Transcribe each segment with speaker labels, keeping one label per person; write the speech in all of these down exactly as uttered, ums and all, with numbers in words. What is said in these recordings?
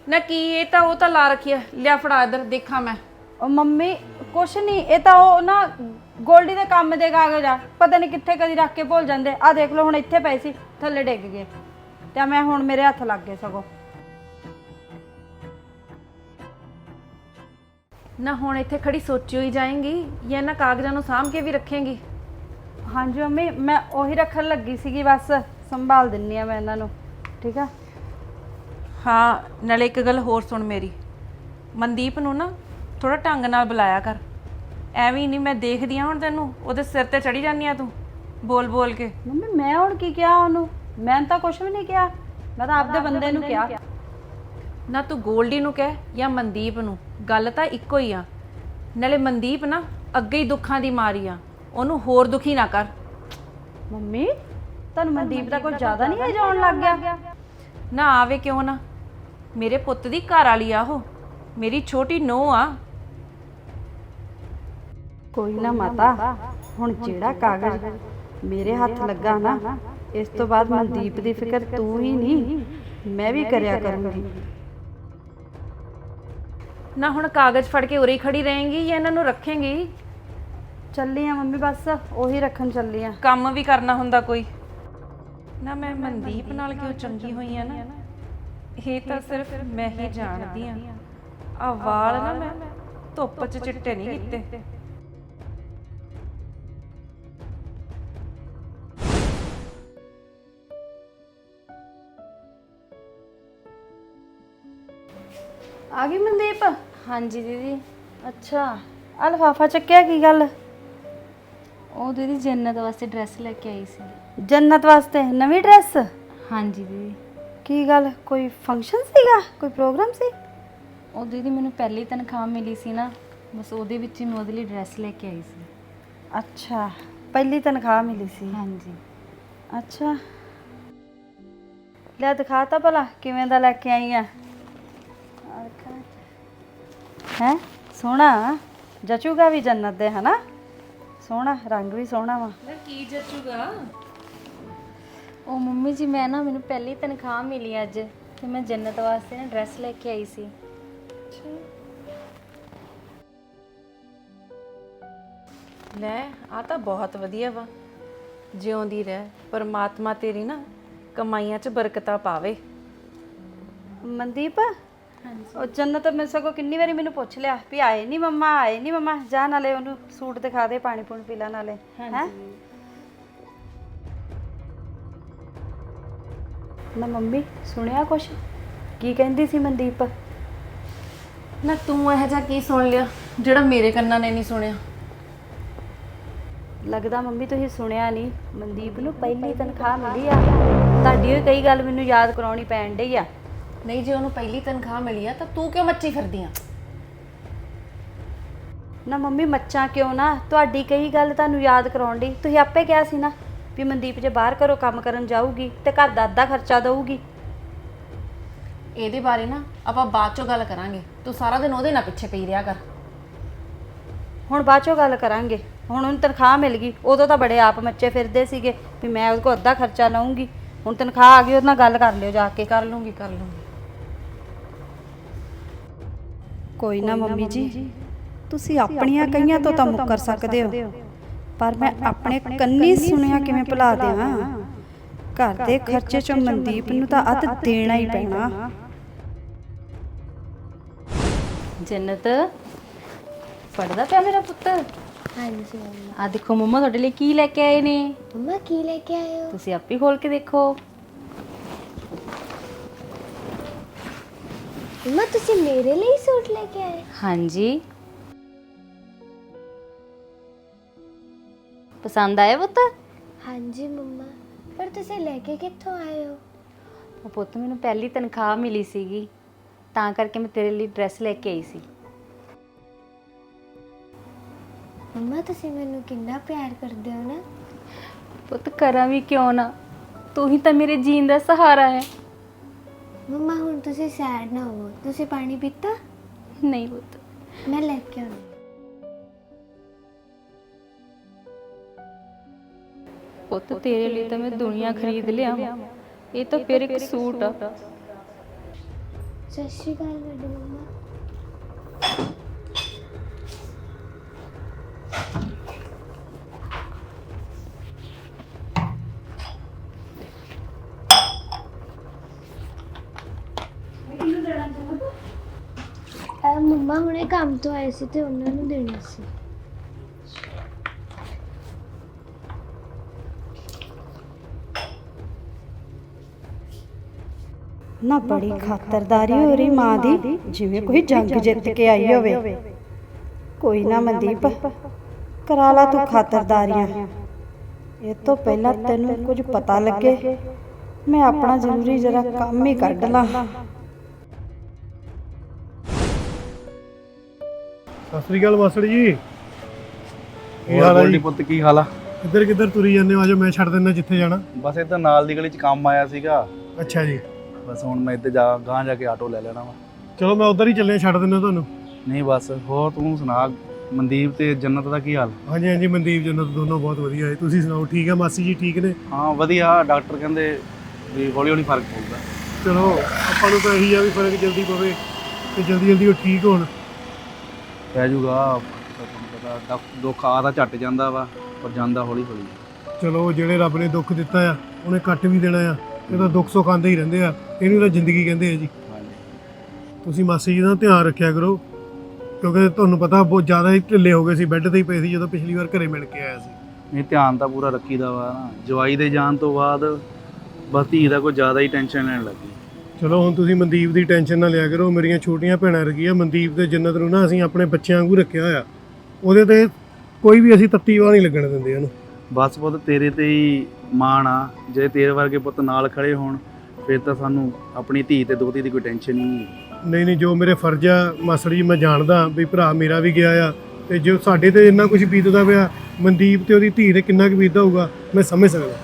Speaker 1: ना की ये तो वो तो ला रखी है, लिया फड़ा इधर देखा मैं।
Speaker 2: ਉਹ ਮੰਮੀ ਕੁਛ ਨਹੀਂ, ਇਹ ਤਾਂ ਉਹ ਨਾ ਗੋਲਡੀ ਦੇ ਕੰਮ ਦੇ ਕਾਗਜ਼ ਆ, ਪਤਾ ਨਹੀਂ ਕਿੱਥੇ ਕਦੀ ਰੱਖ ਕੇ ਭੁੱਲ ਜਾਂਦੇ ਆ। ਦੇਖ ਲਓ ਹੁਣ ਇੱਥੇ ਪਏ ਸੀ, ਥੱਲੇ ਡਿੱਗ ਗਏ ਤੇ ਮੈਂ ਹੁਣ ਮੇਰੇ ਹੱਥ ਲੱਗ ਗਏ ਸਗੋਂ।
Speaker 1: ना हुण इत्थे खड़ी सोची हुई जाएंगी या ना कागजां नूं साਂਭ के भी रखेंगी?
Speaker 2: ਹਾਂਜੀ ਮੰਮੀ ਮੈਂ ਉਹੀ ਰੱਖਣ ਲੱਗੀ ਸੀਗੀ, ਬਸ ਸੰਭਾਲ ਦਿੰਨੀ ਆ ਮੈਂ ਇਹਨਾਂ ਨੂੰ। ਠੀਕ ਆ।
Speaker 1: हाँ नाले एक गल होर सुन मेरी, मनदीप नूं ना थोड़ा ढंग नाल बुलाया कर। ਐਵੇਂ नहीं मैं देखदी हाँ हुण तैनूं ਉਹਦੇ ਸਿਰ ਤੇ ਚੜੀ ਜਾਂਦੀ ਆ तू बोल बोल के।
Speaker 2: ਮੰਮੀ ਮੈਂ ਹੁਣ ਕੀ ਕਿਹਾ ਉਹਨੂੰ? ਮੈਂ ਤਾਂ ਕੁਛ ਵੀ ਨਹੀਂ ਕਿਹਾ, ਮੈਂ ਤਾਂ ਆਪਦੇ ਬੰਦੇ ਨੂੰ ਕਿਹਾ।
Speaker 1: ना तू गोल्डी नूं कह या मनदीप नूं, गल तां इक्को ही आ। नाले मनदीप ना ਅੱਗੇ ਹੀ ਦੁੱਖਾਂ ਦੀ ਮਾਰੀ ਆ, ਉਹਨੂੰ ਹੋਰ ਦੁਖੀ ਨਾ ਕਰ।
Speaker 2: ਮੰਮੀ ਤੁਹਾਨੂੰ ਮਨਦੀਪ ਦਾ ਕੁਝ ਜ਼ਿਆਦਾ ਨਹੀਂ ਹੈ ਜਾਣ ਲੱਗ ਗਿਆ?
Speaker 1: ਨਾ ਆਵੇ ਕਿਉਂ ਨਾ, ਮੇਰੇ ਪੁੱਤ ਦੀ ਘਰ ਵਾਲੀ ਆ ਉਹ, ਮੇਰੀ ਛੋਟੀ ਨੂੰਹ ਆ।
Speaker 2: ਕੋਈ ਨਾ ਮਾਤਾ, ਹੁਣ ਜਿਹੜਾ ਕਾਗਜ਼ ਮੇਰੇ ਹੱਥ ਲੱਗਾ ਨਾ, ਇਸ ਤੋਂ ਬਾਅਦ ਮਨਦੀਪ ਦੀ ਫਿਕਰ ਤੂੰ ਹੀ ਨਹੀਂ ਮੈਂ ਵੀ ਕਰਿਆ ਕਰੂੰਗੀ।
Speaker 1: ਨਾ ਹੁਣ ਕਾਗਜ਼ ਫੜ ਕੇ ਉਰੇ ਹੀ ਖੜੀ ਰਹੇਂਗੀ ਜਾਂ ਇਹਨਾਂ ਨੂੰ ਰੱਖੇਂਗੀ?
Speaker 2: ਚੱਲੀ ਆ ਮੰਮੀ, ਬਸ ਉਹੀ ਰੱਖਣ ਚੱਲੀ ਆ।
Speaker 1: ਕੰਮ ਵੀ ਕਰਨਾ ਹੁੰਦਾ ਕੋਈ ਨਾ। ਮੈਂ ਮਨਦੀਪ ਨਾਲ ਕਿਉਂ ਚੰਗੀ ਹੋਈ ਆ ਨਾ, ਇਹ ਤਾਂ ਸਿਰਫ ਮੈਂ ਹੀ ਜਾਣਦੀ ਆ। ਆ ਵਾਲ ਨਾ ਮੈਂ ਧੁੱਪ 'ਚ ਚਿੱਟੇ ਨਹੀਂ ਕੀਤੇ।
Speaker 2: ਆ ਗਈ ਮਨਦੀਪ?
Speaker 3: हाँ जी दीदी।
Speaker 2: ਅੱਛਾ ਆ ਲਿਫਾਫਾ ਚੱਕਿਆ, ਕੀ ਗੱਲ?
Speaker 3: ओ दीदी जन्नत वास्ते ड्रेस लेके आई सी।
Speaker 2: ਜੰਨਤ ਵਾਸਤੇ ਨਵੀਂ ਡਰੈਸ?
Speaker 3: हाँ जी दीदी।
Speaker 2: ਕੀ ਗੱਲ, ਕੋਈ ਫੰਕਸ਼ਨ ਸੀਗਾ, ਕੋਈ ਪ੍ਰੋਗਰਾਮ ਸੀ?
Speaker 3: ओ दीदी मैनू पहली तनख्वाह मिली सी ना, बस ओदे विच ही मैं ओदे लई ड्रेस लेके आई सी।
Speaker 2: ਅੱਛਾ ਪਹਿਲੀ ਤਨਖਾਹ ਮਿਲੀ ਸੀ?
Speaker 3: हाँ जी।
Speaker 2: ਅੱਛਾ ਲੈ ਦਿਖਾ ਤਾ ਭਲਾ ਕਿਵੇਂ ਦਾ ਲੈ ਕੇ ਆਈ ਆ। ਹੈ ਸੋਹਣਾ ਜਚੂਗਾ ਵੀ ਜੰਨਤ ਦੇ, ਹਨਾ? ਸੋਹਣਾ ਰੰਗ ਵੀ ਸੋਹਣਾ ਵਾ।
Speaker 1: ਕੀ ਜੱਚੂਗਾ?
Speaker 3: ओ मम्मी जी मैं ना मैनू पहली तनख्वाह मिली अज, ते मैं जन्नत वास्ते ना ड्रेस लेके आई सी।
Speaker 1: ਲੈ ਆ ਤਾਂ ਬਹੁਤ ਵਧੀਆ ਵਾ, ਜਿਉਂਦੀ ਰਹਿ, ਪਰਮਾਤਮਾ ਤੇਰੀ ਨਾ ਕਮਾਈਆਂ 'ਚ ਬਰਕਤਾਂ ਪਾਵੇ।
Speaker 2: ਮਨਦੀਪ ਉਹ ਜੰਨਤ ਮੈਂ ਸਗੋਂ ਕਿੰਨੀ ਵਾਰੀ ਮੈਨੂੰ ਪੁੱਛ ਲਿਆ ਵੀ ਆਏ ਨਹੀਂ ਮੰਮਾ, ਆਏ ਨਹੀਂ ਮੰਮਾ, ਜਾ ਨਾਲੇ ਉਹਨੂੰ ਸੂਟ ਦਿਖਾ ਦੇ, ਪਾਣੀ ਪੂਣੀ ਪੀ ਲਾ ਨਾਲੇ। ਹੈ ਨਾ ਮੰਮੀ ਸੁਣਿਆ ਕੁਛ? ਕੀ ਕਹਿੰਦੀ ਸੀ ਮਨਦੀਪ?
Speaker 1: ਨਾ ਤੂੰ ਇਹੋ ਜਿਹਾ ਕੀ ਸੁਣ ਲਿਆ ਜਿਹੜਾ ਮੇਰੇ ਕੰਨਾਂ ਨੇ ਨਹੀਂ ਸੁਣਿਆ?
Speaker 2: ਲੱਗਦਾ ਮੰਮੀ ਤੁਸੀਂ ਸੁਣਿਆ ਨਹੀਂ, ਮਨਦੀਪ ਨੂੰ ਪਹਿਲੀ ਤਨਖਾਹ ਮਿਲੀ ਆ। ਤੁਹਾਡੀ ਉਹ ਕਈ ਗੱਲ ਮੈਨੂੰ ਯਾਦ ਕਰਾਉਣੀ ਪੈਣ ਡਈ ਆ।
Speaker 1: ਨਹੀਂ ਜੇ ਉਹਨੂੰ ਪਹਿਲੀ ਤਨਖਾਹ ਮਿਲੀ ਆ ਤਾਂ ਤੂੰ ਕਿਉਂ ਮੱਚੀ ਫਿਰਦੀ ਆ?
Speaker 2: ਨਾ ਮੰਮੀ ਮੱਚਾਂ ਕਿਉਂ ਨਾ, ਤੁਹਾਡੀ ਕਈ ਗੱਲ ਤੁਹਾਨੂੰ ਯਾਦ ਕਰਾਉਣ ਡਈ। ਤੁਸੀਂ ਆਪੇ ਕਿਹਾ ਸੀ ਨਾ ਵੀ ਮਨਦੀਪ ਜੇ ਬਾਹਰ ਘਰੋਂ ਕੰਮ ਕਰਨ ਜਾਊਗੀ ਤੇ ਘਰ ਦਾ ਅੱਧਾ ਖਰਚਾ ਦਊਗੀ।
Speaker 1: ਇਹਦੇ ਬਾਰੇ ਨਾ ਆਪਾਂ ਬਾਅਦ ਚੋਂ ਗੱਲ ਕਰਾਂਗੇ, ਤੂੰ ਸਾਰਾ ਦਿਨ ਉਹਦੇ ਨਾਲ ਪਿੱਛੇ ਪਈ ਰਿਹਾ ਕਰ।
Speaker 2: ਹੁਣ ਬਾਅਦ ਚੋਂ ਗੱਲ ਕਰਾਂਗੇ, ਹੁਣ ਉਹਨੂੰ ਤਨਖਾਹ ਮਿਲ ਗਈ। ਉਦੋਂ ਤਾਂ ਬੜੇ ਆਪ ਮੱਚੇ ਫਿਰਦੇ ਸੀਗੇ ਵੀ ਮੈਂ ਉਹਦੇ ਕੋਲ ਅੱਧਾ ਖਰਚਾ ਲਊਂਗੀ। ਹੁਣ ਤਨਖਾਹ ਆ ਗਈ, ਉਹਦੇ ਨਾਲ ਗੱਲ ਕਰ ਲਿਓ ਜਾ ਕੇ।
Speaker 1: ਕਰ ਲੂੰਗੀ ਕਰ ਲੂੰਗੀ।
Speaker 2: ਕੋਈ ਨਾ ਮੰਮੀ ਜੀ, ਤੁਸੀਂ ਆਪਣੀਆਂ ਕਈਆਂ ਤੋਂ ਤਾਂ ਮੁੱਕਰ ਸਕਦੇ ਹੋ, ਪਰ ਮੈਂ ਆਪਣੇ ਕੰਨੀ ਸੁਣਿਆ ਕਿਵੇਂ ਭੁਲਾ ਦਿਆਂ। ਘਰ ਦੇ ਖਰਚੇ ਚੋਂ ਮਨਦੀਪ ਨੂੰ ਤਾਂ ਅੱਧ ਦੇਣਾ ਹੀ ਪੈਣਾ।
Speaker 3: जन्नत पढ़दा पिया मेरा पुत्र?
Speaker 4: हाँ जी मम्मा।
Speaker 3: आ देखो मम्मा तुहाडे लई की लेके आए ने।
Speaker 4: मम्मा की लेके आए हो?
Speaker 3: तुसीं आपे खोल के देखो।
Speaker 4: मम्मा तुसी मेरे लिए सूट लेके आए?
Speaker 3: हाँ जी। पसंद आया पुत्र?
Speaker 4: हाँ जी मम्मा, पर तुसी लेके कित्थों आए हो?
Speaker 3: ਉਹ ਪੁੱਤ ਮੈਨੂੰ ਪਹਿਲੀ ਤਨਖਾਹ ਮਿਲੀ ਸੀਗੀ, ਤਾਂ ਕਰਕੇ ਮੈਂ ਤੇਰੇ ਲਈ ਡਰੈਸ ਲੈ ਕੇ ਆਈ ਸੀ।
Speaker 4: मम्मा तुसी मैनू कितना प्यार करदे हो ना।
Speaker 3: ਪੁੱਤ ਕਰਾਂ ਵੀ ਕਿਉਂ ਨਾ, ਤੂੰ ਹੀ ਤਾਂ ਮੇਰੇ ਜੀਣ ਦਾ ਸਹਾਰਾ ਹੈ।
Speaker 4: मम्मा हुण तुसी सैड ना हो, तुसी पानी पीता?
Speaker 3: नहीं पुत्त
Speaker 4: मैं लेके आऊँ।
Speaker 3: ਪੁੱਤ ਤੇਰੇ ਲਈ ਤਾਂ ਮੈਂ ਦੁਨੀਆ ਖਰੀਦ ਲਿਆ, ਇਹ ਤਾਂ ਫਿਰ ਇੱਕ ਸੂਟ ਆ।
Speaker 4: ਸਤਿ ਸ਼੍ਰੀ ਅਕਾਲ ਵੱਡੀ ਮੰਮਾ। ਅਹ ਮੰਮਾ ਹੁਣੇ ਕੰਮ ਤੋਂ ਆਏ ਸੀ ਤੇ ਉਹਨਾਂ ਨੂੰ ਦੇਣਾ ਸੀ।
Speaker 2: ਨਾ ਬੜੀ ਖਾਤਰਦਾਰੀ ਹੋ ਰਹੀ ਮਾਂ ਦੀ, ਜਿਵੇਂ ਕੋਈ ਜੰਗ ਜਿੱਤ ਕੇ ਆਈ ਹੋਵੇ। ਕੋਈ ਨਾ ਮਨਦੀਪ, ਕਰਾ ਲਾ ਤੂੰ ਖਾਤਰਦਾਰੀਆਂ। ਇਹ ਤੋਂ ਪਹਿਲਾਂ ਤੈਨੂੰ ਕੁਝ ਪਤਾ ਲੱਗੇ, ਮੈਂ ਆਪਣਾ ਜ਼ਰੂਰੀ ਜਰਾ ਕੰਮ ਹੀ ਕੱਢ ਲਾਂ।
Speaker 5: ਸਤਿ ਸ੍ਰੀ ਅਕਾਲ ਮਾਸੜ ਜੀ। ਕੀ
Speaker 6: ਹੋਰ
Speaker 5: ਹਾਲ ਹੈ
Speaker 6: ਗੋਲਡੀ
Speaker 5: ਜੀ?
Speaker 6: ਪੁੱਤ ਕੀ ਹਾਲ ਆ?
Speaker 5: ਕਿੱਧਰ ਕਿੱਧਰ ਤੁਰੀ ਜਾਂਦੇ ਹੋ? ਆਜੋ ਮੈਂ ਛੱਡ ਦਿੰਦਾ ਜਿੱਥੇ ਜਾਣਾ।
Speaker 6: ਬਸ ਇੱਧਰ ਨਾਲ ਦੀ ਗਲੀ 'ਚ ਕੰਮ ਆਇਆ ਸੀਗਾ,
Speaker 5: ਅੱਛਾ ਜੀ,
Speaker 6: ਬਸ ਹੁਣ ਮੈਂ ਇੱਧਰ ਜਾ ਗਾਂਹ ਜਾ ਕੇ ਆਟੋ ਲੈ ਲੈਣਾ ਵਾ।
Speaker 5: ਚਲੋ ਮੈਂ ਉਧਰ ਹੀ ਚੱਲਿਆ, ਛੱਡ ਦਿੰਦਾ ਤੁਹਾਨੂੰ।
Speaker 6: ਨਹੀਂ ਬਸ ਹੋਰ ਤੂੰ ਸੁਣਾ, ਮਨਦੀਪ ਤੇ ਜੰਨਤ ਦਾ ਕੀ ਹਾਲ?
Speaker 5: ਹਾਂਜੀ ਹਾਂਜੀ, ਮਨਦੀਪ ਜੰਨਤ ਦੋਨੋਂ ਬਹੁਤ ਵਧੀਆ ਹੈ। ਤੁਸੀਂ ਸੁਣਾਓ, ਠੀਕ ਹੈ? ਮਾਸੀ ਜੀ ਠੀਕ ਨੇ?
Speaker 6: ਹਾਂ ਵਧੀਆ, ਡਾਕਟਰ ਕਹਿੰਦੇ ਵੀ ਹੌਲੀ ਹੌਲੀ ਫਰਕ ਪਊਗਾ।
Speaker 5: ਚਲੋ ਆਪਾਂ ਨੂੰ ਤਾਂ ਇਹੀ ਆ ਵੀ ਫਰਕ ਜਲਦੀ ਪਵੇ ਤੇ ਜਲਦੀ ਜਲਦੀ ਉਹ ਠੀਕ ਹੋਣ।
Speaker 6: ਪੈ ਜਾਊਗਾ, ਤੁਹਾਨੂੰ ਪਤਾ ਦੁੱਖ- ਦੁੱਖ ਆ ਤਾਂ ਝੱਟ ਜਾਂਦਾ ਵਾ, ਪਰ ਜਾਂਦਾ ਹੌਲੀ ਹੌਲੀ।
Speaker 5: ਚਲੋ ਜਿਹੜੇ ਰੱਬ ਨੇ ਦੁੱਖ ਦਿੱਤਾ ਆ ਉਹਨੇ ਕੱਟ ਵੀ ਦੇਣਾ ਆ। ਇਹ ਤਾਂ ਦੁੱਖ ਸੁੱਖ ਆਉਂਦੇ ਹੀ ਰਹਿੰਦੇ ਆ, ਇਹਨੂੰ ਤਾਂ ਜ਼ਿੰਦਗੀ ਕਹਿੰਦੇ ਆ ਜੀ।
Speaker 6: ਹਾਂਜੀ
Speaker 5: ਤੁਸੀਂ ਮਾਸੀ ਜੀ ਦਾ ਧਿਆਨ ਰੱਖਿਆ ਕਰੋ, ਕਿਉਂਕਿ ਤੁਹਾਨੂੰ ਪਤਾ ਬਹੁਤ ਜ਼ਿਆਦਾ ਹੀ ਢਿੱਲੇ ਹੋ ਗਏ ਸੀ, ਬੈੱਡ ਤੇ ਹੀ ਪਏ ਸੀ ਜਦੋਂ ਪਿਛਲੀ ਵਾਰ ਘਰੇ ਮਿਲ ਕੇ ਆਇਆ ਸੀ।
Speaker 6: ਨਹੀਂ ਧਿਆਨ ਤਾਂ ਪੂਰਾ ਰੱਖੀਦਾ ਵਾ ਨਾ, ਜਵਾਈ ਦੇ ਜਾਣ ਤੋਂ ਬਾਅਦ ਬਸ ਧੀ ਦਾ ਕੋਈ ਜ਼ਿਆਦਾ ਹੀ ਟੈਨਸ਼ਨ ਲੈਣ ਲੱਗੀ।
Speaker 5: ਚਲੋ ਹੁਣ ਤੁਸੀਂ ਮਨਦੀਪ ਦੀ ਟੈਨਸ਼ਨ ਨਾ ਲਿਆ ਕਰੋ, ਮੇਰੀਆਂ ਛੋਟੀਆਂ ਭੈਣਾਂ ਰਗੀਆਂ। ਮਨਦੀਪ ਤੇ ਜੰਨਤ ਨੂੰ ਨਾ ਅਸੀਂ ਆਪਣੇ ਬੱਚਿਆਂ ਵਾਂਗੂ ਰੱਖਿਆ ਹੋਇਆ, ਉਹਦੇ ਤੇ ਕੋਈ ਵੀ ਅਸੀਂ ਤੱਤੀ ਵਾਹ ਨਹੀਂ ਲੱਗਣ ਦਿੰਦੇ ਉਹਨੂੰ।
Speaker 6: ਬਸ ਪੁੱਤ ਤੇਰੇ ਤੇ ਹੀ ਮਾਣ ਆ, ਜੇ ਤੇਰੇ ਵਰਗੇ ਪੁੱਤ ਨਾਲ ਖੜੇ ਹੋਣ ਫਿਰ ਤਾਂ ਸਾਨੂੰ ਆਪਣੀ ਧੀ ਤੇ ਦੋਤੀ ਦੀ ਕੋਈ ਟੈਨਸ਼ਨ ਹੀ ਨਹੀਂ।
Speaker 5: ਨਹੀਂ ਨਹੀਂ, ਜੋ ਮੇਰੇ ਫਰਜ਼ ਆ ਮਾਸੜ ਜੀ, ਮੈਂ ਜਾਣਦਾ ਵੀ ਭਰਾ ਮੇਰਾ ਵੀ ਗਿਆ ਆ, ਤੇ ਜੋ ਸਾਡੇ ਤੇ ਇੰਨਾ ਕੁਝ ਬੀਤਦਾ ਪਿਆ, ਮਨਦੀਪ ਤੇ ਉਹਦੀ ਧੀ ਤੇ ਕਿੰਨਾ ਕੁ ਬੀਤਦਾ ਹੋਊਗਾ ਮੈਂ ਸਮਝ ਸਕਦਾ।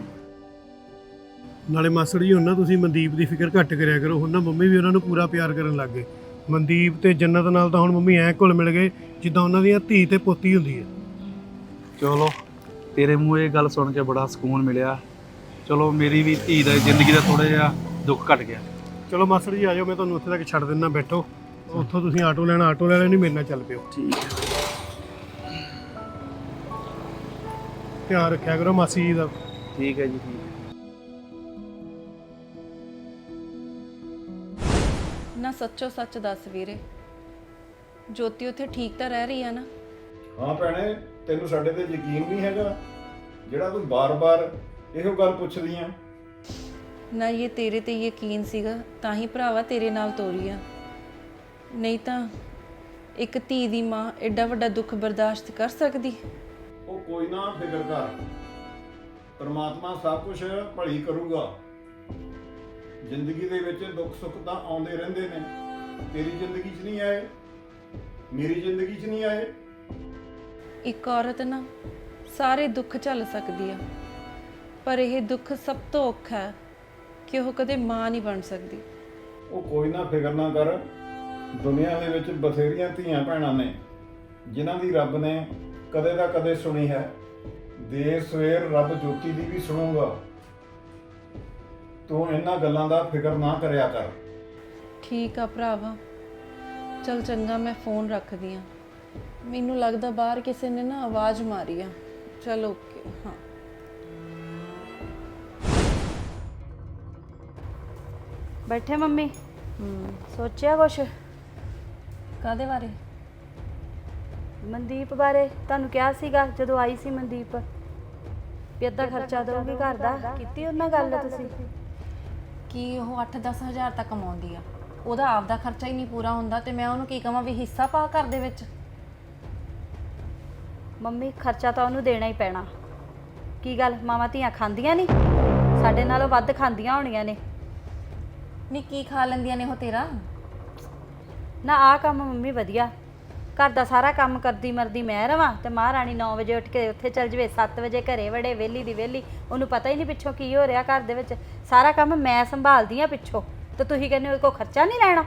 Speaker 5: ਨਾਲੇ ਮਾਸੜ ਜੀ ਹੁਣ ਨਾ ਤੁਸੀਂ ਮਨਦੀਪ ਦੀ ਫਿਕਰ ਘੱਟ ਕਰਿਆ ਕਰੋ। ਹੁਣ ਨਾ ਮੰਮੀ ਵੀ ਉਹਨਾਂ ਨੂੰ ਪੂਰਾ ਪਿਆਰ ਕਰਨ ਲੱਗ ਗਏ। ਮਨਦੀਪ ਤੇ ਜੰਨਤ ਨਾਲ ਤਾਂ ਹੁਣ ਮੰਮੀ ਐਂ ਘੁਲ ਮਿਲ ਗਏ ਜਿੱਦਾਂ ਉਹਨਾਂ ਦੀਆਂ ਧੀ ਤੇ ਪੋਤੀ ਹੁੰਦੀ ਹੈ।
Speaker 6: ਚਲੋ ਤੇਰੇ ਮੂੰਹ ਇਹ ਗੱਲ ਸੁਣ ਕੇ ਬੜਾ ਸਕੂਨ ਮਿਲਿਆ। ਚਲੋ ਮੇਰੀ ਵੀ ਧੀ ਦਾ ਜ਼ਿੰਦਗੀ ਦਾ ਥੋੜਾ ਜਿਹਾ ਦੁੱਖ ਘਟ ਗਿਆ।
Speaker 5: ਚਲੋ ਮਾਸੜ ਜੀ ਆ ਜਾਓ, ਮੈਂ ਤੁਹਾਨੂੰ ਉੱਥੇ ਤੱਕ ਛੱਡ ਦਿੰਦਾ, ਬੈਠੋ। ਉੱਥੋਂ ਤੁਸੀਂ ਆਟੋ ਲੈਣਾ, ਆਟੋ ਲੈ ਲੈਣੀ, ਮੇਰੇ ਨਾਲ ਚੱਲ ਪਿਓ।
Speaker 6: ਠੀਕ ਹੈ।
Speaker 5: ਧਿਆਨ ਰੱਖਿਆ ਕਰੋ ਮਾਸੀ ਜੀ ਦਾ।
Speaker 6: ਠੀਕ ਹੈ ਜੀ, ਠੀਕ ਹੈ।
Speaker 1: ਨਾ ਸੱਚੋ ਸੱਚ ਦੱਸ ਵੀਰੇ, ਜੋਤੀ ਉੱਥੇ ਠੀਕ ਤਾਂ ਰਹਿ ਰਹੀ ਆ ਨਾ?
Speaker 7: ਹਾਂ ਭੈਣੇ, ਤੈਨੂੰ ਸਾਡੇ ਤੇ ਯਕੀਨ ਨਹੀਂ ਹੈਗਾ ਜਿਹੜਾ ਤੂੰ ਬਾਰ-ਬਾਰ ਇਹੋ ਗੱਲ ਪੁੱਛਦੀ ਆ?
Speaker 1: ਨਾ ਇਹ ਤੇਰੇ ਤੇ ਯਕੀਨ ਸੀਗਾ ਤਾਂ ਹੀ ਭਰਾਵਾ ਤੇਰੇ ਨਾਲ ਤੋਰੀ ਆ, ਨਹੀਂ ਤਾਂ ਇੱਕ ਧੀ ਦੀ ਮਾਂ ਐਡਾ ਵੱਡਾ ਦੁੱਖ ਬਰਦਾਸ਼ਤ ਕਰ ਸਕਦੀ?
Speaker 7: ਉਹ ਕੋਈ ਨਾ ਫਿਕਰ ਕਰ, ਪਰਮਾਤਮਾ ਸਭ ਕੁਝ ਭਲੀ ਕਰੂਗਾ। ਜ਼ਿੰਦਗੀ ਦੇ ਵਿੱਚ ਦੁੱਖ ਸੁੱਖ ਤਾਂ ਆਉਂਦੇ ਰਹਿੰਦੇ ਨੇ। ਤੇਰੀ ਜ਼ਿੰਦਗੀ 'ਚ ਨਹੀਂ ਆਏ, ਮੇਰੀ ਜ਼ਿੰਦਗੀ 'ਚ ਨਹੀਂ ਆਏ।
Speaker 1: ਇੱਕ ਔਰਤ ਨਾ ਸਾਰੇ ਦੁੱਖ ਝੱਲ ਸਕਦੀ ਆ, ਪਰ ਇਹ ਦੁੱਖ ਸਭ ਤੋਂ ਔਖਾ ਹੈ ਕਿ ਉਹ ਕਦੇ ਮਾਂ ਨਹੀਂ ਬਣ ਸਕਦੀ।
Speaker 7: ਉਹ ਕੋਈ ਨਾ ਫਿਕਰ ਨਾ ਕਰ, ਦੁਨੀਆ ਦੇ ਵਿੱਚ ਬਥੇਰੀਆਂ ਧੀਆਂ ਭੈਣਾਂ ਨੇ ਜਿਨ੍ਹਾਂ ਦੀ ਰੱਬ ਨੇ ਕਦੇ ਦਾ ਕਦੇ ਸੁਣੀ ਹੈ। ਦੇਰ ਸਵੇਰ ਰੱਬ ਜੋਤੀ ਦੀ ਵੀ ਸੁਣੂਗਾ। ਤੂੰ ਇਹਨਾਂ ਗੱਲਾਂ ਦਾ ਫਿਕਰ ਨਾ ਕਰਿਆ ਕਰ।
Speaker 1: ਠੀਕ ਆ ਭਰਾਵਾ, ਚਲ ਚੰਗਾ, ਮੈਂ ਫੋਨ ਰੱਖਦੀ ਆ। ਮੈਨੂੰ ਲੱਗਦਾ ਬਾਹਰ ਕਿਸੇ ਨੇ ਨਾ ਆਵਾਜ਼ ਮਾਰੀ ਆ। ਚਲ ਓਕੇ। ਹਾਂ
Speaker 2: ਬੈਠੇ ਮੰਮੀ? ਸੋਚਿਆ ਕੁਛ?
Speaker 1: ਕਾਦੇ ਬਾਰੇ?
Speaker 2: ਮਨਦੀਪ ਬਾਰੇ। ਤੁਹਾਨੂੰ ਕਿਹਾ ਸੀਗਾ ਜਦੋਂ ਆਈ ਸੀ ਮਨਦੀਪ ਵੀ ਅੱਧਾ ਖਰਚਾ ਦਊਗੀ ਘਰ ਦਾ, ਕੀਤੀ ਉਹਨਾਂ ਗੱਲ ਤੁਸੀਂ?
Speaker 1: ਕਿ ਉਹ ਅੱਠ ਦਸ ਹਜ਼ਾਰ ਤੱਕ ਕਮਾਉਂਦੀ ਆ, ਉਹਦਾ ਆਪਦਾ ਖਰਚਾ ਹੀ ਨਹੀਂ ਪੂਰਾ ਹੁੰਦਾ ਤੇ ਮੈਂ ਉਹਨੂੰ ਕੀ ਕਹਾਂ ਵੀ ਹਿੱਸਾ ਪਾ ਘਰ ਦੇ ਵਿੱਚ?
Speaker 2: ਮੰਮੀ ਖਰਚਾ ਤਾਂ ਉਹਨੂੰ ਦੇਣਾ ਹੀ ਪੈਣਾ। ਕੀ ਗੱਲ ਮਾਵਾਂ ਧੀਆਂ ਖਾਂਦੀਆਂ ਨਹੀਂ? ਸਾਡੇ ਨਾਲੋਂ ਵੱਧ ਖਾਂਦੀਆਂ ਹੋਣੀਆਂ ਨੇ।
Speaker 1: ਨਹੀਂ ਕੀ ਖਾ ਲੈਂਦੀਆਂ ਨੇ ਉਹ ਤੇਰਾ?
Speaker 2: ਨਾ ਆਹ ਕੰਮ ਮੰਮੀ ਵਧੀਆ, ਘਰ ਦਾ ਸਾਰਾ ਕੰਮ ਕਰਦੀ ਮਰਦੀ ਮੈਂ ਰਵਾਂ ਤੇ ਮਹਾਰਾਣੀ ਨੌ ਵਜੇ ਉੱਠ ਕੇ ਉੱਥੇ ਚੱਲ ਜਵੇ, ਸੱਤ ਵਜੇ ਘਰੇ ਵੜੇ, ਵਿਹਲੀ ਦੀ ਵਿਹਲੀ, ਉਹਨੂੰ ਪਤਾ ਹੀ ਨਹੀਂ ਪਿੱਛੋਂ ਕੀ ਹੋ ਰਿਹਾ ਘਰ ਦੇ ਵਿੱਚ। ਸਾਰਾ ਕੰਮ ਮੈਂ ਸੰਭਾਲਦੀ ਆ ਪਿੱਛੋਂ, ਤੇ ਤੁਸੀਂ ਕਹਿੰਦੇ ਹੋ ਕੋਈ ਖਰਚਾ ਨਹੀਂ ਲੈਣਾ?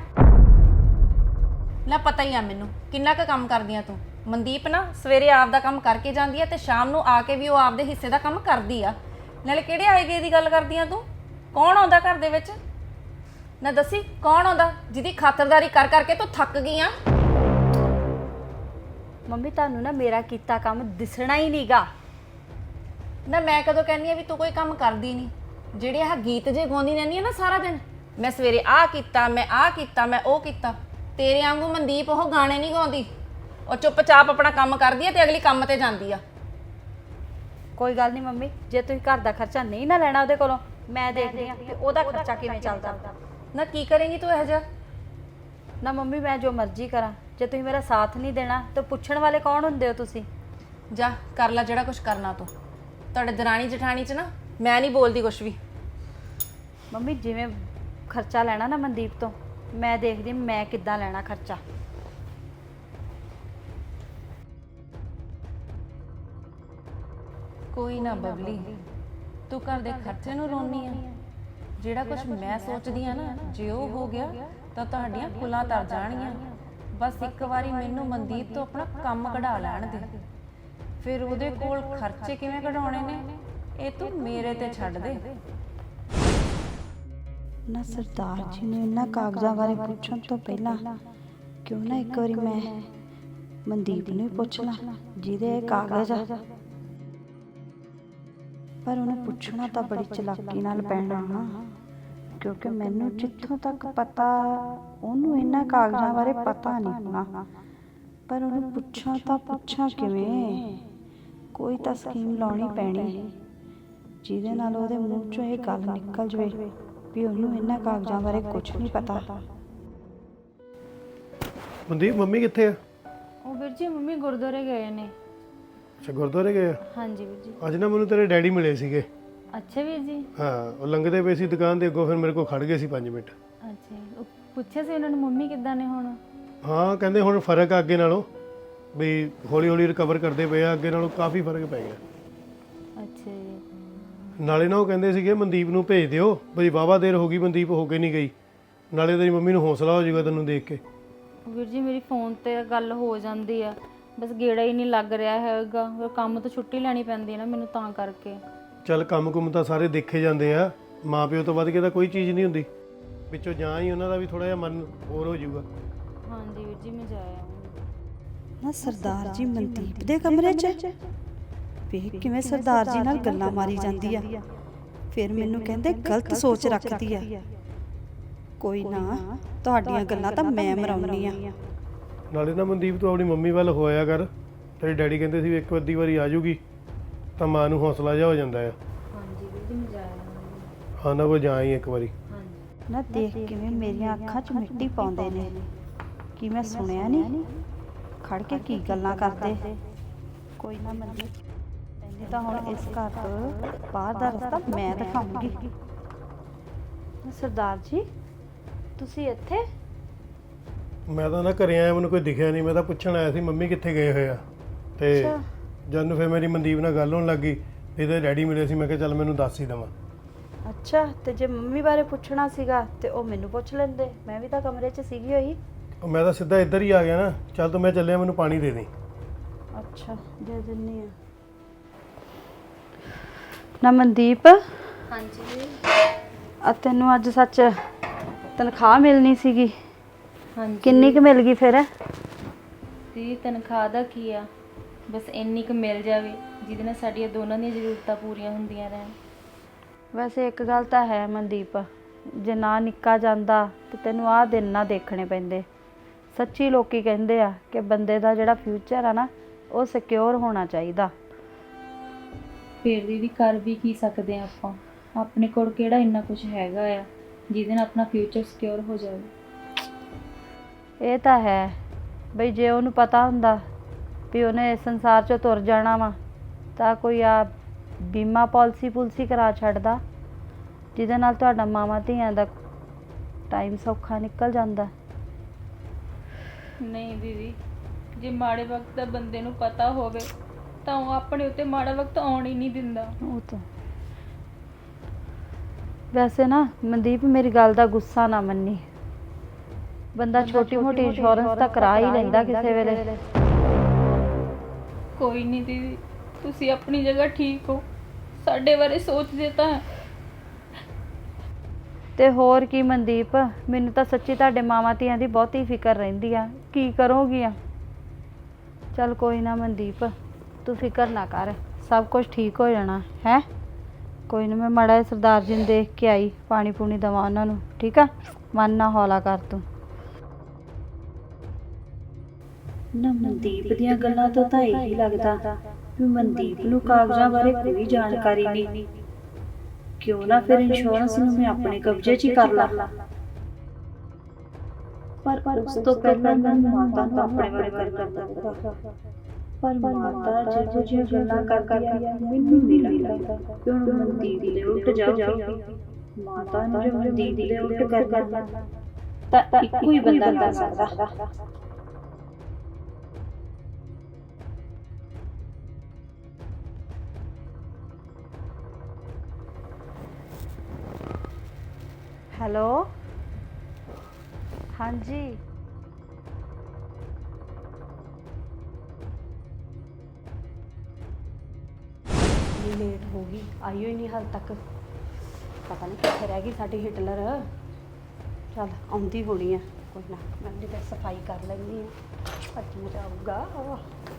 Speaker 1: ਨਾ ਪਤਾ ਹੀ ਆ ਮੈਨੂੰ ਕਿੰਨਾ ਕੁ ਕੰਮ ਕਰਦੀਆਂ ਤੂੰ। ਮਨਦੀਪ ਨਾ ਸਵੇਰੇ ਆਪ ਦਾ ਕੰਮ ਕਰਕੇ ਜਾਂਦੀ ਆ ਤੇ ਸ਼ਾਮ ਨੂੰ ਆ ਕੇ ਵੀ ਉਹ ਆਪਦੇ ਹਿੱਸੇ ਦਾ ਕੰਮ ਕਰਦੀ ਆ। ਨਾਲੇ ਕਿਹੜੇ ਆਏ ਗਏ ਦੀ ਗੱਲ ਕਰਦੀ ਆ ਤੂੰ? ਕੌਣ ਆਉਂਦਾ ਘਰ ਦੇ ਵਿੱਚ? ਨਾ ਦੱਸੀ ਕੌਣ ਆਉਂਦਾ ਜਿਹਦੀ ਖਾਤਰਦਾਰੀ ਕਰ ਕਰਕੇ ਤੂੰ ਥੱਕ ਗਈ ਆ?
Speaker 2: ਮੰਮੀ ਤੁਹਾਨੂੰ ਨਾ ਮੇਰਾ ਕੀਤਾ ਕੰਮ ਦਿਸਣਾ ਹੀ ਨਹੀਂਗਾ।
Speaker 1: ਨਾ ਮੈਂ ਕਦੋਂ ਕਹਿੰਦੀ ਆ ਵੀ ਤੂੰ ਕੋਈ ਕੰਮ ਕਰਦੀ ਨਹੀਂ? ਜਿਹੜੇ ਆਹ ਗੀਤ ਜੇ ਗਾਉਂਦੀ ਰਹਿੰਦੀ ਆ ਨਾ ਸਾਰਾ ਦਿਨ, ਮੈਂ ਸਵੇਰੇ ਆਹ ਕੀਤਾ, ਮੈਂ ਆਹ ਕੀਤਾ, ਮੈਂ ਉਹ ਕੀਤਾ। ਤੇਰੇ ਵਾਂਗੂ ਮਨਦੀਪ ਉਹ ਗਾਣੇ ਨਹੀਂ ਗਾਉਂਦੀ, ਉਹ ਚੁੱਪਚਾਪ ਆਪਣਾ ਕੰਮ ਕਰਦੀ ਆ ਤੇ ਅਗਲੀ ਕੰਮ ਤੇ ਜਾਂਦੀ ਆ।
Speaker 2: ਕੋਈ ਗੱਲ ਨਹੀਂ ਮੰਮੀ, ਜੇ ਤੁਸੀਂ ਘਰ ਦਾ ਖਰਚਾ ਨਹੀਂ ਨਾ ਲੈਣਾ ਉਹਦੇ ਕੋਲੋਂ, ਮੈਂ ਦੇਖਦੀ ਆ ਕਿ ਉਹਦਾ ਖਰਚਾ ਕਿਵੇਂ ਚੱਲਦਾ।
Speaker 1: ਨਾ ਕੀ ਕਰੇਂਗੀ ਤੂੰ ਇਹੋ ਜਿਹਾ?
Speaker 2: ਨਾ ਮੰਮੀ ਮੈਂ ਜੋ ਮਰਜ਼ੀ ਕਰਾਂ, ਜੇ ਤੁਸੀਂ ਮੇਰਾ ਸਾਥ ਨਹੀਂ ਦੇਣਾ ਤਾਂ ਪੁੱਛਣ ਵਾਲੇ ਕੌਣ ਹੁੰਦੇ ਹੋ ਤੁਸੀਂ?
Speaker 1: ਜਾ ਕਰ ਲੈ ਜਿਹੜਾ ਕੁਝ ਕਰਨਾ ਤੂੰ। ਤੁਹਾਡੇ ਦਰਾਣੀ ਜਠਾਣੀ 'ਚ ਨਾ ਮੈਂ ਨਹੀਂ ਬੋਲਦੀ ਕੁਛ ਵੀ।
Speaker 2: ਮੰਮੀ ਜਿਵੇਂ ਖਰਚਾ ਲੈਣਾ ਨਾ ਮਨਦੀਪ ਤੋਂ, ਮੈਂ ਦੇਖਦੀ ਮੈਂ ਕਿੱਦਾਂ ਲੈਣਾ ਖਰਚਾ।
Speaker 1: ਕੋਈ ਨਾ ਬਬਲੀ, ਤੂੰ ਘਰ ਦੇ ਖਰਚੇ ਨੂੰ ਰੋਣੀ ਆ? ਜਿਹੜਾ ਕੁਝ ਮੈਂ ਸੋਚਦੀ ਆ ਨਾ, ਜੇ ਉਹ ਹੋ ਗਿਆ ਤਾਂ ਤੁਹਾਡੀਆਂ ਕੁਲਾਂ ਤਰ ਜਾਣਗੀਆਂ। ਬਸ ਇੱਕ ਵਾਰੀ ਮੈਨੂੰ ਮਨਦੀਪ ਤੋਂ ਆਪਣਾ ਕੰਮ ਕਢਾ ਲੈਣ ਦੇ, ਫਿਰ ਉਹਦੇ ਕੋਲ ਖਰਚੇ ਕਿਵੇਂ ਕਢਾਉਣੇ ਨੇ ਇਹ ਤੂੰ ਮੇਰੇ ਤੇ ਛੱਡ ਦੇ।
Speaker 2: ਨਾ ਸਰਦਾਰ ਜੀ ਨੂੰ ਇਹਨਾਂ ਕਾਗਜ਼ਾਂ ਬਾਰੇ ਪੁੱਛਣ ਤੋਂ ਪਹਿਲਾਂ ਕਿਉਂ ਨਾ ਇੱਕ ਵਾਰੀ ਮੈਂ ਮਨਦੀਪ ਨੂੰ ਹੀ ਪੁੱਛ ਲਾਂ ਜਿਹਦੇ ਇਹ ਕਾਗਜ਼ ਆ। ਪਰ ਉਹਨੂੰ ਪੁੱਛਣਾ ਤਾਂ ਬੜੀ ਚਲਾਕੀ ਨਾਲ ਪੈਣਾ ਨਾ, ਕਿਉਂਕਿ ਮੈਨੂੰ ਜਿੱਥੋਂ ਤੱਕ ਪਤਾ ਉਹਨੂੰ ਇਹਨਾਂ ਕਾਗਜ਼ਾਂ ਬਾਰੇ ਪਤਾ ਨਹੀਂ ਹੋਣਾ। ਪਰ ਉਹਨੂੰ ਪੁੱਛਾਂ ਤਾਂ ਪੁੱਛਾਂ ਕਿਵੇਂ? ਕੋਈ ਤਾਂ ਸਕੀਮ ਲਾਉਣੀ ਪੈਣੀ ਜਿਹਦੇ ਨਾਲ ਉਹਦੇ ਮੂੰਹ ਚੋਂ ਇਹ ਗੱਲ ਨਿਕਲ ਜਵੇ ਵੀ ਉਹਨੂੰ ਇਹਨਾਂ ਕਾਗਜ਼ਾਂ ਬਾਰੇ ਕੁਝ ਨਹੀਂ ਪਤਾ।
Speaker 5: ਮਨਦੀਪ ਮੰਮੀ ਕਿੱਥੇ ਆ?
Speaker 3: ਉਹ ਵੀਰ ਜੀ ਮੰਮੀ ਗੁਰਦੁਆਰੇ ਗਏ ਨੇ।
Speaker 5: ਅੱਛਾ ਗੁਰਦੁਆਰੇ ਗਏ ਆ?
Speaker 3: ਹਾਂਜੀ ਵੀਰ ਜੀ।
Speaker 5: ਅੱਜ ਨਾ ਮੈਨੂੰ ਤੇਰੇ ਡੈਡੀ ਮਿਲੇ ਸੀਗੇ।
Speaker 3: ਅੱਛਾ ਵੀਰ ਜੀ।
Speaker 5: ਹਾਂ, ਉਹ ਲੰਘਦੇ ਪਏ ਸੀ ਦੁਕਾਨ ਦੇ ਅੱਗੋਂ, ਫਿਰ ਮੇਰੇ ਕੋਲ ਖੜ ਗਏ ਸੀ ਪੰਜ ਮਿੰਟ।
Speaker 3: ਅੱਛਾ ਜੀ। ਉਹ ਪੁੱਛਿਆ ਸੀ ਉਹਨਾਂ ਨੂੰ ਮੰਮੀ ਕਿੱਦਾਂ ਨੇ ਹੁਣ?
Speaker 5: ਹਾਂ ਕਹਿੰਦੇ ਹੁਣ ਫਰਕ ਆ ਅੱਗੇ ਨਾਲੋਂ, ਵੀ ਹੌਲੀ ਹੌਲੀ ਰਿਕਵਰ ਕਰਦੇ ਪਏ ਆ, ਅੱਗੇ ਨਾਲੋਂ ਕਾਫੀ ਫਰਕ ਪੈ ਗਿਆ।
Speaker 3: ਅੱਛਾ ਜੀ।
Speaker 5: ਨਾਲੇ ਨਾ ਉਹ ਕਹਿੰਦੇ ਸੀਗੇ ਮਨਦੀਪ ਨੂੰ ਭੇਜ ਦਿਓ, ਬਈ ਵਾਹਵਾ ਦੇਰ ਹੋ ਗਈ ਮਨਦੀਪ ਹੋ ਕੇ ਨਹੀਂ ਗਈ, ਨਾਲੇ ਤੇਰੀ ਮੰਮੀ ਨੂੰ ਹੌਸਲਾ ਹੋ ਜਾਊਗਾ ਤੈਨੂੰ ਦੇਖ ਕੇ।
Speaker 3: ਵੀਰ ਜੀ ਮੇਰੀ ਫੋਨ ਤੇ ਗੱਲ ਹੋ ਜਾਂਦੀ ਆ, ਬਸ ਗੇੜਾ ਹੀ ਨਹੀਂ ਲੱਗ ਰਿਹਾ ਹੈਗਾ। ਫਿਰ ਕੰਮ ਤੋਂ ਛੁੱਟੀ ਲੈਣੀ ਪੈਂਦੀ ਹੈ ਨਾ ਮੈਨੂੰ, ਤਾਂ ਕਰਕੇ।
Speaker 5: ਚੱਲ ਕੰਮ ਕੁੰਮ ਤਾਂ ਸਾਰੇ ਦੇਖੇ ਜਾਂਦੇ ਆ, ਮਾਂ ਪਿਓ ਤੋਂ ਵੱਧ ਕੇ ਤਾਂ ਕੋਈ ਚੀਜ਼ ਨਹੀਂ ਹੁੰਦੀ। ਵਿੱਚੋਂ ਜਾਂ ਹੀ ਉਹਨਾਂ ਦਾ ਵੀ ਥੋੜਾ ਜਿਹਾ ਮਨ ਹੋਰ ਹੋ ਜਾਊਗਾ।
Speaker 3: ਹਾਂਜੀ ਵੀਰ ਜੀ ਮੈਂ ਜਾਇਆ।
Speaker 2: ਨਾ ਸਰਦਾਰ ਜੀ ਮਨਦੀਪ ਦੇ ਕਮਰੇ 'ਚ ਵੇਖ ਕਿਵੇਂ ਸਰਦਾਰ ਜੀ ਨਾਲ ਗੱਲਾਂ ਮਾਰੀ ਜਾਂਦੀ ਆ, ਫਿਰ ਮੈਨੂੰ ਕਹਿੰਦੇ ਗਲਤ ਸੋਚ ਰੱਖਦੀ ਆ। ਕੋਈ ਨਾ, ਤੁਹਾਡੀਆਂ ਗੱਲਾਂ ਤਾਂ ਮੈਂ ਮਰਾਉਣੀ ਆ।
Speaker 5: ਨਾਲੇ ਨਾ ਮਨਦੀਪ ਤੂੰ ਆਪਣੀ ਮੰਮੀ ਵੱਲ ਹੋਇਆ ਕਰ, ਤੇਰੇ ਡੈਡੀ ਕਹਿੰਦੇ ਸੀ ਵੀ ਇੱਕ ਅੱਧੀ ਵਾਰੀ ਆ ਜਾਊਗੀ ਤਾਂ ਮਾਂ ਨੂੰ ਹੌਸਲਾ ਜਿਹਾ ਹੋ ਜਾਂਦਾ ਆ।
Speaker 3: ਹਾਂਜੀ ਵੀਰ ਜੀ ਮੈਂ ਜਾਇਆ।
Speaker 5: ਹਾਂ ਨਾ ਕੋਈ ਜਾ ਹੀ ਇੱਕ ਵਾਰੀ।
Speaker 3: ਹਾਂਜੀ।
Speaker 2: ਨਾ ਦੇਖ ਕਿਵੇਂ ਮੇਰੀਆਂ ਅੱਖਾਂ 'ਚ ਮਿੱਟੀ ਪਾਉਂਦੇ ਨੇ, ਕੀ ਮੈਂ ਸੁਣਿਆ ਨਹੀਂ? ਖੜ ਕੇ ਕੀ ਗੱਲਾਂ ਕਰਦੇ। ਕੋਈ ਨਾ ਮਨਦੀਪ, ਨਹੀਂ ਤਾਂ ਹੁਣ ਇਸ ਘਰ ਤੋਂ ਬਾਹਰ ਦਾ ਰਸਤਾ ਮੈਂ ਦਿਖਾਉਂਗੀ। ਸਰਦਾਰ ਜੀ ਤੁਸੀਂ ਇੱਥੇ?
Speaker 5: ਮੈਂ ਤਾਂ ਨਾ ਘਰੇ ਆਇਆ, ਮੈਨੂੰ ਕੋਈ ਦਿਖਿਆ ਨਹੀਂ, ਮੈਂ ਤਾਂ ਪੁੱਛਣ ਆਇਆ ਸੀ ਮੰਮੀ ਕਿੱਥੇ ਗਏ ਹੋਏ ਆ। ਤੇ ਜਦ ਨੂੰ ਫਿਰ ਮੇਰੀ ਮਨਦੀਪ ਨਾਲ ਗੱਲ ਹੋਣ ਲੱਗੀ, ਇਹਦੇ ਡੈਡੀ ਮਿਲੇ ਸੀ, ਮੈਂ ਕਿਹਾ ਚੱਲ ਮੈਨੂੰ ਦੱਸ ਹੀ ਦੇਵਾਂ।
Speaker 2: ਅੱਛਾ, ਤੇ ਜੇ ਮੰਮੀ ਬਾਰੇ ਪੁੱਛਣਾ ਸੀਗਾ ਤੇ ਉਹ ਮੈਨੂੰ ਪੁੱਛ ਲੈਂਦੇ, ਮੈਂ ਵੀ ਤਾਂ ਕਮਰੇ 'ਚ ਸੀਗੀ ਹੋਈ।
Speaker 5: ਉਹ ਮੈਂ ਤਾਂ ਸਿੱਧਾ ਇੱਧਰ ਹੀ ਆ ਗਿਆ ਨਾ। ਚੱਲ ਤੂੰ, ਮੈਂ ਚੱਲਿਆ, ਮੈਨੂੰ ਪਾਣੀ ਦੇ ਦੇ।
Speaker 2: ਅੱਛਾ ਦੇ ਦਿੰਨੀ ਆ। ਨਾ ਮਨਦੀਪ,
Speaker 3: ਹਾਂਜੀ।
Speaker 2: ਆ ਤੈਨੂੰ ਅੱਜ ਸੱਚ ਤਨਖਾਹ ਮਿਲਣੀ ਸੀਗੀ,
Speaker 3: ਹਾਂਜੀ।
Speaker 2: ਕਿੰਨੀ ਕੁ ਮਿਲ ਗਈ ਫਿਰ?
Speaker 3: ਦੀ ਤਨਖਾਹ ਦਾ ਕੀ ਆ, ਬਸ ਇੰਨੀ ਕੁ ਮਿਲ ਜਾਵੇ ਜਿਹਦੇ ਨਾਲ ਸਾਡੀਆਂ ਦੋਨਾਂ ਦੀਆਂ ਜ਼ਰੂਰਤਾਂ ਪੂਰੀਆਂ ਹੁੰਦੀਆਂ ਰਹਿਣ।
Speaker 2: ਵੈਸੇ ਇੱਕ ਗੱਲ ਤਾਂ ਹੈ ਮਨਦੀਪ, ਜੇ ਨਾ ਨਿੱਕਾ ਜਾਂਦਾ ਤੇ ਤੈਨੂੰ ਆਹ ਦਿਨ ਨਾ ਦੇਖਣੇ ਪੈਂਦੇ। ਸੱਚੀ ਲੋਕੀ ਕਹਿੰਦੇ ਆ ਕਿ ਬੰਦੇ ਦਾ ਜਿਹੜਾ ਫਿਊਚਰ ਆ ਨਾ, ਉਹ ਸਿਕਿਉਰ ਹੋਣਾ ਚਾਹੀਦਾ।
Speaker 3: ਫਿਰ ਦੀਦੀ ਕਰ ਵੀ ਕੀ ਸਕਦੇ ਆ ਆਪਾਂ? ਆਪਣੇ ਕੋਲ ਕਿਹੜਾ ਇੰਨਾ ਕੁਝ ਹੈਗਾ ਆ ਜਿਹਦੇ ਨਾਲ ਆਪਣਾ ਫਿਊਚਰ ਸਿਕਿਉਰ ਹੋ ਜਾਵੇ।
Speaker 2: ਇਹ ਤਾਂ ਹੈ ਬਈ, ਜੇ ਉਹਨੂੰ ਪਤਾ ਹੁੰਦਾ ਵੀ ਉਹਨੇ ਇਸ ਸੰਸਾਰ 'ਚੋਂ ਤੁਰ ਜਾਣਾ ਵਾ ਤਾਂ ਕੋਈ ਆ ਬੀਮਾ ਪਾਲਿਸੀ ਪੁਲਸੀ ਕਰਾ ਛੱਡਦਾ, ਜਿਹਦੇ ਨਾਲ ਤੁਹਾਡਾ ਮਾਵਾਂ ਧੀਆਂ ਦਾ ਟਾਈਮ ਸੌਖਾ ਨਿਕਲ ਜਾਂਦਾ।
Speaker 3: ਨਹੀਂ ਦੀਦੀ, ਜੇ ਮਾੜੇ ਵਕਤ ਦਾ ਬੰਦੇ ਨੂੰ ਪਤਾ ਹੋਵੇ ਤਾਂ ਉਹ ਆਪਣੇ ਉੱਤੇ ਮਾੜਾ ਵਕਤ ਆਉਣ ਹੀ ਨਹੀਂ ਦਿੰਦਾ।
Speaker 2: ਉਹ ਤਾਂ ਵੈਸੇ ਨਾ ਮਨਦੀਪ, ਮੇਰੀ ਗੱਲ ਦਾ ਗੁੱਸਾ ਨਾ ਮੰਨੀ, ਬੰਦਾ ਛੋਟੀ ਮੋਟੀ ਇੰਸ਼ੋਰੈਂਸ ਤਾਂ ਕਰਾ ਹੀ ਲੈਂਦਾ ਕਿਸੇ ਵੇਲੇ।
Speaker 3: ਕੋਈ ਨਹੀਂ ਦੀਦੀ, ਤੁਸੀਂ ਆਪਣੀ ਜਗ੍ਹਾ ਠੀਕ ਹੋ, ਸਾਡੇ ਬਾਰੇ ਸੋਚਦੇ ਤਾਂ
Speaker 2: ਤੇ ਹੋਰ ਕੀ ਮਨਦੀਪ, ਮੈਨੂੰ ਤਾਂ ਸੱਚੀ ਤੁਹਾਡੇ ਮਾਵਾਂ ਧੀਆਂ ਦੀ ਬਹੁਤੀ ਫਿਕਰ ਰਹਿੰਦੀ ਆ, ਕੀ ਕਰੋਗੀਆਂ। ਚੱਲ ਕੋਈ ਨਾ ਮਨਦੀਪ, ਤੂੰ ਫਿਕਰ ਨਾ ਕਰ, ਸਭ ਕੁਝ ਠੀਕ ਹੋ ਜਾਣਾ ਹੈ। ਕੋਈ ਨਾ, ਮੈਂ ਮਾੜਾ ਜਿਹਾ ਸਰਦਾਰ ਜੀ ਨੂੰ ਦੇਖ ਕੇ ਆਈ, ਪਾਣੀ ਪੂਣੀ ਦੇਵਾਂ ਉਹਨਾਂ ਨੂੰ, ਠੀਕ ਆ। ਮਨ ਨਾ ਹੌਲਾ ਕਰ ਤੂੰ। ਨਾ ਮਨਦੀਪ ਦੀਆਂ ਗੱਲਾਂ ਤੋਂ ਤਾਂ ਇਹੀ ਲੱਗਦਾ ਵੀ ਮਨਦੀਪ ਨੂੰ ਕਾਗਜ਼ਾਂ ਬਾਰੇ ਕੋਈ ਜਾਣਕਾਰੀ ਨਹੀਂ। ਕਿਉਂ ਨਾ ਫਿਰ ਇੰਸ਼ੋਰੈਂਸ ਨੂੰ ਮੈਂ ਆਪਣੇ ਕਬਜ਼ੇ 'ਚ ਹੀ ਕਰ ਲਾਂ। ਪਰ ਉਸ ਤੋਂ ਪਹਿਲਾਂ ਮੈਂ ਮਾਤਾ ਨੂੰ ਆਪਣੇ ਬਾਰੇ ਗੱਲ ਕਰਨਾ ਪਊਗਾ। ਪਰ ਮਾਤਾ ਜਿਹੋ ਜਿਹੀਆਂ ਗੱਲਾਂ ਕਰਦੀ ਆ, ਮੈਨੂੰ ਨਹੀਂ ਲੱਗਦਾ ਕਿ ਹੁਣ ਮਨਦੀਪ ਦੇ ਉਲਟ ਜਾਊਗੀ। ਮਾਤਾ ਨੂੰ ਜੇ ਮਨਦੀਪ ਦੇ ਉਲਟ ਕਰਨਾ ਤਾਂ ਇੱਕੋ ਹੀ ਬੰਦਾ ਕਰ ਸਕਦਾ। ਹੈਲੋ, ਹਾਂਜੀ ਲੇਟ ਹੋ ਗਈ, ਆਈ ਹੋਈ ਨਹੀਂ ਹਾਲ ਤੱਕ। ਪਤਾ ਨਹੀਂ ਕਿੱਥੇ ਰਹਿ ਗਈ ਸਾਡੀ ਹਿਟਲਰ। ਚੱਲ ਆਉਂਦੀ ਹੋਣੀ ਆ, ਕੋਈ ਨਾ, ਮੈਂ ਉਹਦੀ ਫਿਰ ਸਫਾਈ ਕਰ ਲੈਂਦੀ ਹਾਂ। ਅੱਜ ਮਜ਼ਾ ਆਊਗਾ।